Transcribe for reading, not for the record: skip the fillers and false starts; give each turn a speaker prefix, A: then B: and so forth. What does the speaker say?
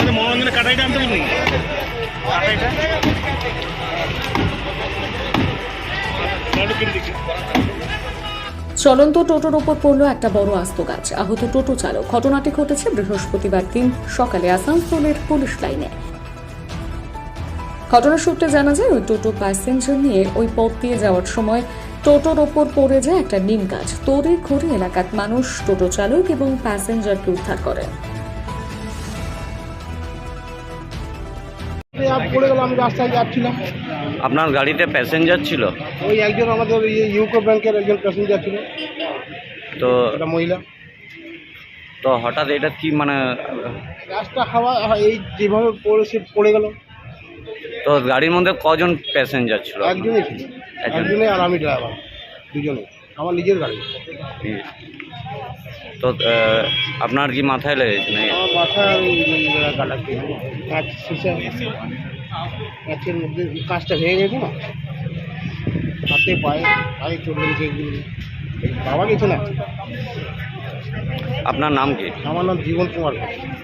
A: মনোরঞ্জনের কাটাইটা আনতে বলি কাটাইটা
B: চলন্ত টোটোর ওপর পড়ল একটা বড় আস্ত গাছ। আহত টোটো চালক। ঘটনাটি ঘটেছে বৃহস্পতিবার দিন সকালে আসানসোলের পুলিশ লাইনে। ঘটনার সূত্রে জানা যায়, ওই টোটো প্যাসেঞ্জার নিয়ে ওই পথ দিয়ে যাওয়ার সময় টোটোর ওপর পড়ে যায় একটা নিম গাছ। তড়ি ঘড়ি এলাকার মানুষ টোটো চালক এবং প্যাসেঞ্জারকে উদ্ধার করেন।
C: পড়ে গেল, আমি রাস্তায় যাচ্ছিলাম।
D: আপনার গাড়িতে প্যাসেঞ্জার ছিল?
C: ওই একজন আমাদের ইউকো ব্যাংকের একজন প্যাসেঞ্জার ছিল,
D: তো
C: একটা মহিলা।
D: তো হঠাৎ এটা কি মানে
C: রাস্তা হাওয়া এই যেভাবে পড়ে গেল।
D: তো গাড়ির মধ্যে কজন প্যাসেঞ্জার ছিল?
C: একজনই ছিল, একজনে আর আমি ড্রাইভার, দুজনে। আমার নিজের গাড়ি।
D: তো আপনার কি মাথায় লেগেছে নাকি?
C: আমার মাথায় গালাতে কাঁচ শিশা, কাঁচের মধ্যে কাঁচটা ভেঙে গেছে না, হাতে পায়ে পায়ে চলে গেছে। বাবা গেছে না।
D: আপনার নাম কি?
C: আমার নাম জীবন কুমার।